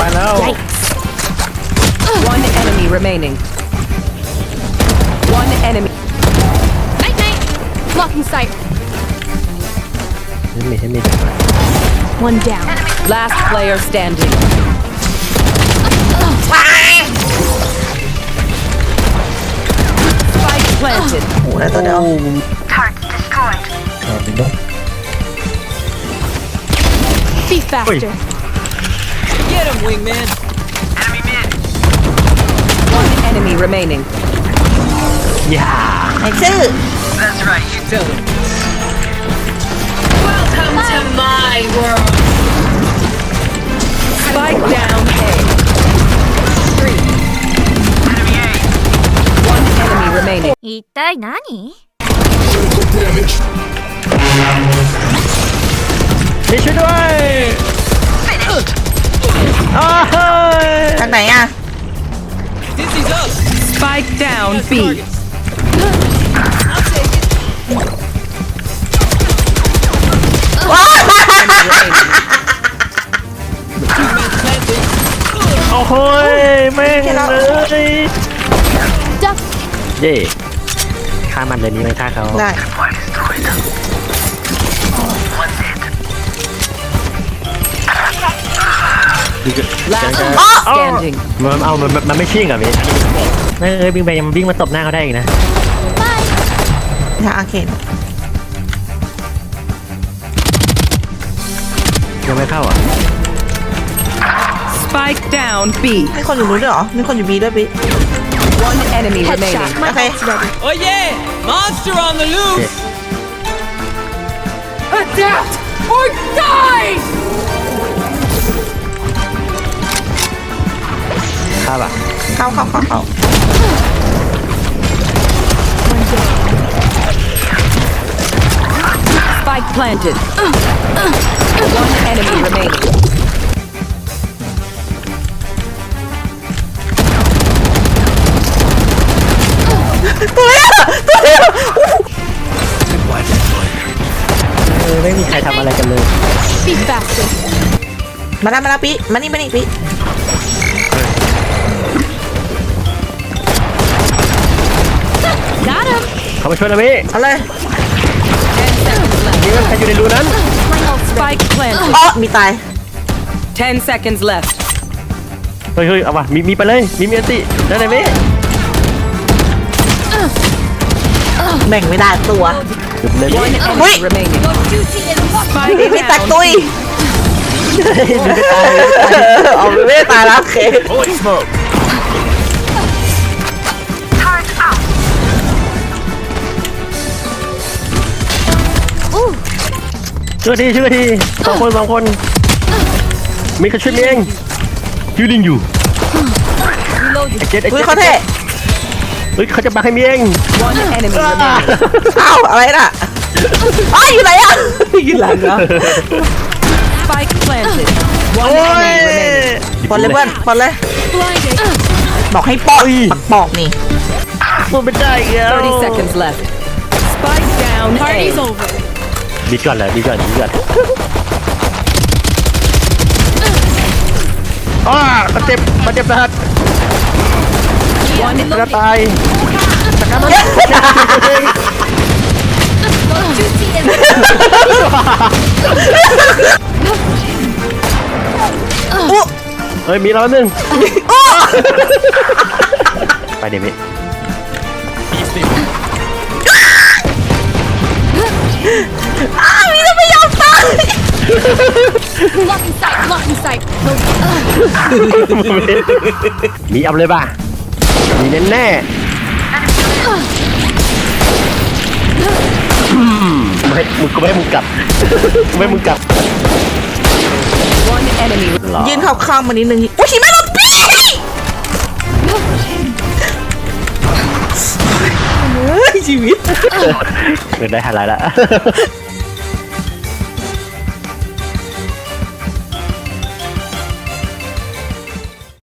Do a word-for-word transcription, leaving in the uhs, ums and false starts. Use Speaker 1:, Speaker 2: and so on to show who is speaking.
Speaker 1: ายแล้ว
Speaker 2: One enemy remaining. One enemy.
Speaker 3: Night night. Blocking sight.
Speaker 1: เห็นมีเห็นมี
Speaker 3: One down.
Speaker 2: Last player standing. Spike planted.
Speaker 4: โอ้โหแล้วตัวเดียว
Speaker 1: อ่าเป็นต้อง
Speaker 3: Be faster.
Speaker 2: Get him, wingman. One enemy remaining.
Speaker 1: อย่า
Speaker 4: ไอ้ชื่อ
Speaker 2: Welcome to my world. Spike down A. Three. One enemy remaining.
Speaker 3: 一体何？
Speaker 1: มีช่วยด้วยอ้าวเฮ้ย
Speaker 4: ทางไหนอ่ะ
Speaker 2: Spike down B. Remaining.
Speaker 1: โอ้โหแม่งเลย
Speaker 3: Duck.
Speaker 1: เย่ฆ่ามันเลยนี้ไม่ฆ่าเขา
Speaker 4: ได้
Speaker 2: Last
Speaker 1: อ๋อ
Speaker 2: standing.
Speaker 1: มันเอามันมันไม่ชิ่งอ่ะพี่เอ้ยวิ่งไปยังวิ่งมาตบหน้าเขาได้อีกนะ
Speaker 4: ทางอาเคน
Speaker 1: ยังไม่เข้าอ่ะ
Speaker 2: Spike down B.
Speaker 4: มีคนอยู่นู้นด้วยเหรอ มีคนอยู่บีด้วยบี
Speaker 2: One enemy
Speaker 3: Headshot.
Speaker 2: remaining.
Speaker 3: My
Speaker 4: Okay.
Speaker 3: ult's ready.
Speaker 5: Oh yeah! Monster on the
Speaker 1: โอ
Speaker 5: loose!
Speaker 1: เค
Speaker 2: Adapt or die.
Speaker 1: เข้าป่ะ
Speaker 4: เข้าเข้าเข้าเข้า
Speaker 2: Spike planted. One enemy remaining.
Speaker 1: เออไม่มีใครทำอะไรกันเลย
Speaker 3: Be faster.
Speaker 4: มาแล้วมาแล้วปีมานี่มานี่ปี
Speaker 3: Got him.
Speaker 1: เขามาช่วยนะพี่
Speaker 4: เอาเลย
Speaker 2: Ten seconds left.
Speaker 1: ยิงใครอยู่ในรูนั้น
Speaker 3: My ult's ready.
Speaker 2: Spike planted.
Speaker 4: อ๋อมีตาย
Speaker 2: Ten seconds left.
Speaker 1: เฮ้ยเฮ้ยเอาว่ะมีมีไปเลยมีมีอันติได้ไหมพี่
Speaker 4: แบ่งไม่ได้ตัว
Speaker 1: หยุดเลย
Speaker 2: One
Speaker 1: พี่
Speaker 4: Wait.
Speaker 2: enemy remaining. Spike
Speaker 4: ปีไม่ตัก
Speaker 2: down
Speaker 4: ตุย
Speaker 1: ดูไม่ตาย
Speaker 4: เอาไม่ได้ตายแล้วโอเค
Speaker 1: Holy smoke ช่วยทีช่วยทีสองคนสองคนมีใครช่วยเมียงฮิวลิงอยู่ไอ้เจ็ดไอ้
Speaker 4: อุ้ย
Speaker 1: เจ็ด
Speaker 4: เขาเท่
Speaker 1: เฮ้ยเขาจะบังให้เมียง
Speaker 2: One enemy remaining.
Speaker 4: อ้าวอะไรน่ะอ้าวอยู่ไหนอ่ะอยู่หลังเหรอ
Speaker 2: Spike planted. One
Speaker 1: โอ้ย
Speaker 2: enemy remaining.
Speaker 4: ปอนเลยเพื่อนปอนเลย
Speaker 3: Blinded.
Speaker 4: บอกให้ปอกปักปอกนี่
Speaker 1: พูดไม่ได้อีกแล้ว
Speaker 2: Thirty seconds left. Spike down A.
Speaker 3: Party's over.
Speaker 1: ดีก่อนเลยดีก่อนดีก่อนอ้าเขาเจ็บเขาเจ็บนะฮะ
Speaker 2: One
Speaker 1: กระตายตะการมัน
Speaker 3: Juicy is
Speaker 4: อุ๊
Speaker 1: เฮ้ยมีเราหนึ่งไปเดี๋ยวพี่
Speaker 4: อ้าวมีแล้วไม่ยอมตาย
Speaker 3: blocking sight. Blocking sight.
Speaker 1: มีเอาเลยป่ะมีแน่แน่ไม่มึงก็ไม่ให้มึงกลับไม่ให้มึงกลับ
Speaker 2: One enemy.
Speaker 1: หรอ
Speaker 4: ยืนเข้าข้างมานิดนึงอุ้ยหิมะลงปีเฮ้ยชีวิต
Speaker 1: เงินได้หาไรละ